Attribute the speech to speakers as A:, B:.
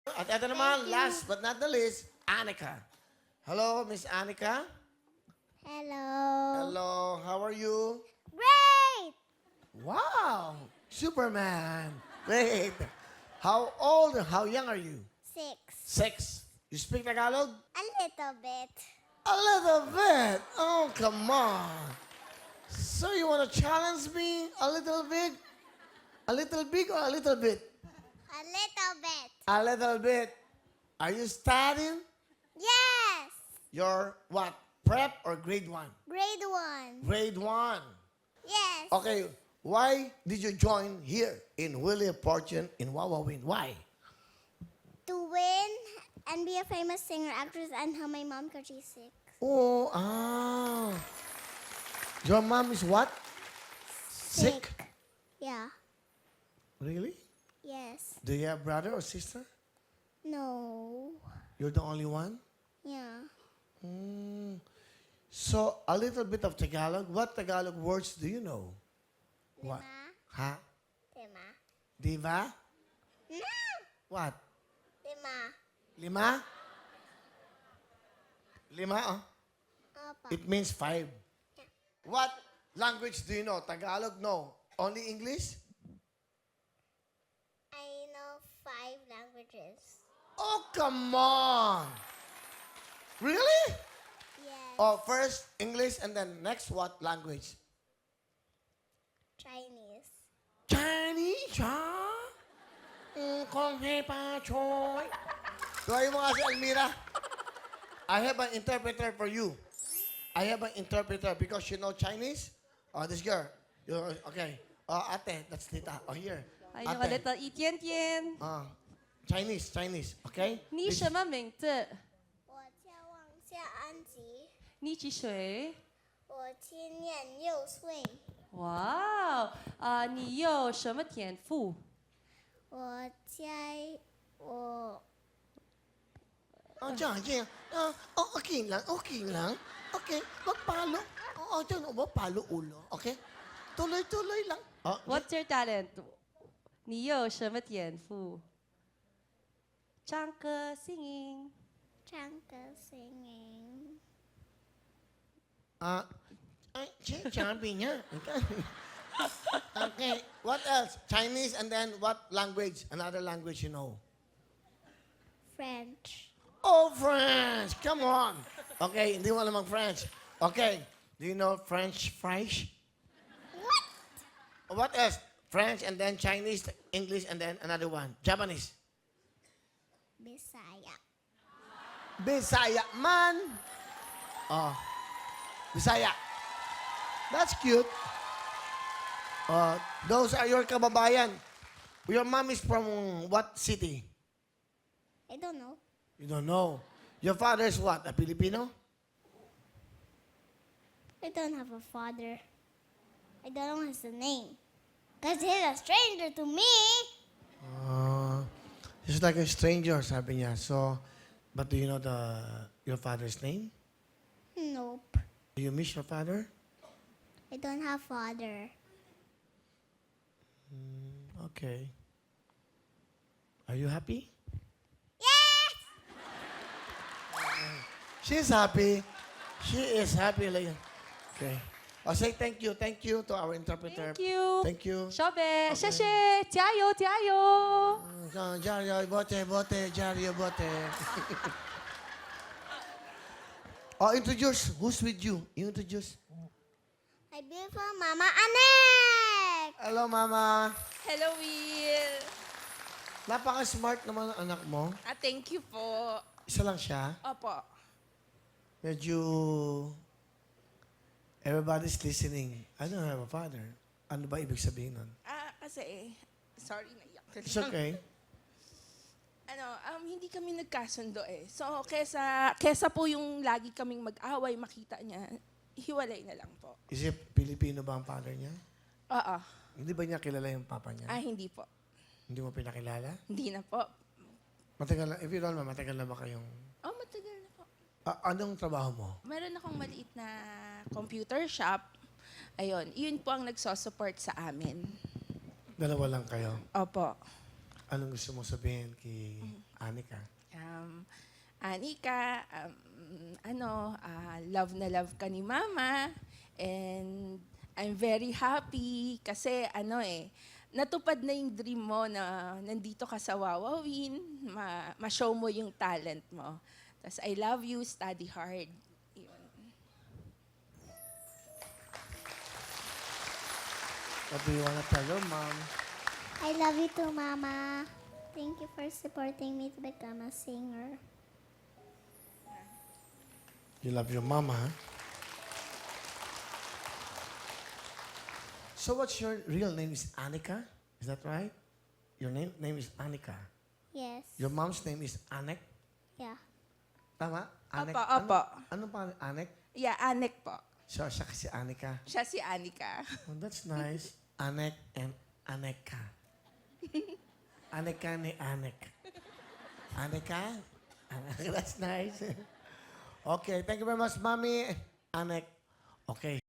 A: At ito naman, last but not the least, Anika. Hello, Miss Anika.
B: Hello.
A: Hello, how are you?
B: Great!
A: Wow, Superman. Great. How old, how young are you?
B: 6.
A: 6. You speak Tagalog?
B: A little bit.
A: A little bit. Oh, come on. So you want to challenge me a little bit? A little big or a little bit?
B: A little bit.
A: A little bit. Are you studying?
B: Yes.
A: Your what? Prep or grade 1?
B: Grade 1.
A: Grade 1.
B: Yes.
A: Okay, why did you join here in Willie Fortune in Wawawin? Why?
B: To win and be a famous singer, actress, and help my mom because she's sick.
A: Oh, ah. Your mom is what? Sick?
B: Yeah.
A: Really?
B: Yes.
A: Do you have brother or sister?
B: No.
A: You're the only one?
B: Yeah.
A: Mm. So, a little bit of Tagalog. What Tagalog words do you know? What?
B: Lima.
A: Ha?
B: Lima.
A: Diva?
B: No.
A: What?
B: Lima.
A: Lima? Lima, oh.
B: Apa.
A: It means 5. What language do you know? Tagalog? No. Only English?
B: I know 5 languages.
A: Oh, come on. Really?
B: Yes.
A: Oh, first English and then next what language?
B: Chinese.
A: Chinese, ha? Kung hei pa choy. Tuwayo mo nga si Almira. I have an interpreter for you. I have an interpreter because you know Chinese. Oh, this girl. Okay. Oh, ate, that's Tita. Oh, here.
C: 还有个 little 一点点。
A: Chinese. Okay?
C: 你什么名字？
B: 我叫王夏安吉，
C: 你几岁？
B: 我今年6岁，
C: 哇哦，你有什么天赋？
B: 我在我
A: Diyan. Okay lang. Okay, magpalo. Diyan, magpalo ulo. Okay? Tuloy-tuloy lang. Oh,
C: What's your talent？你有什么天赋？唱歌 singing。
B: 唱歌 singing，
A: sabi niya. Okay, what else? Chinese and then what language? Another language you know?
B: French,
A: Oh, French! Come on! Okay, hindi mo alam ang French. Okay, do you know French fries?
B: what?
A: What else? French and then Chinese, English and then another one. Japanese.
B: Bisaya,
A: Bisaya man. Oh, Bisaya. That's cute. Those are your kababayan. Your mom is from what city?
B: I don't know.
A: You don't know. Your father is what? A Filipino?
B: I don't have a father. I don't know his name. Because he's a stranger to me.
A: He's like a stranger, sabi niya. So, but do you know your father's name?
B: Nope.
A: Do you miss your father?
B: I don't have father.
A: Okay. Are you happy?
B: Yes!
A: She's happy. She is happy. Like, okay. Oh, say thank you. Thank you to our interpreter.
C: Thank you。
A: Thank you.
C: 小北，谢谢，加油加油！
A: Jario, bote, Jario, bote. Oh, introduce. Who's with you? You introduce.
B: My beautiful Mama Anek!
A: Hello, Mama.
D: Hello, Will.
A: Napaka-smart naman ang anak mo.
D: Thank you po.
A: Isa lang siya.
D: Opo.
A: Medyo everybody's listening. I don't have a father. Ano ba ibig sabihin nun?
D: Kasi, sorry, naiyak.
A: It's okay.
D: Hindi kami nagkasundo eh. So, kesa po yung lagi kaming mag-away, makita niya, hiwalay na lang po.
A: Is it Filipino ba ang father niya?
D: Oo.
A: Hindi ba niya kilala yung papa niya?
D: Hindi po.
A: Hindi mo pinakilala?
D: Hindi na po.
A: Matagal na, if you don't know, matagal na ba kayong...
D: Matagal na po.
A: Anong trabaho mo?
D: Meron akong maliit na computer shop. Ayun, yun po ang nagsosupport sa amin.
A: Dalawa lang kayo.
D: Opo.
A: Anong gusto mo sabihin kay Anika.
D: Anika, love na love ka ni Mama. And I'm very happy kasi natupad na yung dream mo na nandito ka sa Wawawin, ma-show mo yung talent mo. Tapos I love you, study hard. Yun.
A: What do you want to tell your mom?
B: I love you too, Mama. Thank you for supporting me to become a singer.
A: You love your mama, huh? So what's your real name is Anika? Is that right? Your name is Anika.
B: Yes.
A: Your mom's name is Anek?
B: Yeah.
A: Tama? Anek?
D: Opo.
A: Ano pa? Anek?
D: Yeah, Anek po.
A: So, siya kasi Anika.
D: Siya si Anika.
A: Oh, that's nice. Anek and Aneka. Aneka ni Anek. Aneka? That's nice. Okay, thank you very much, Mommy. Anek. Okay.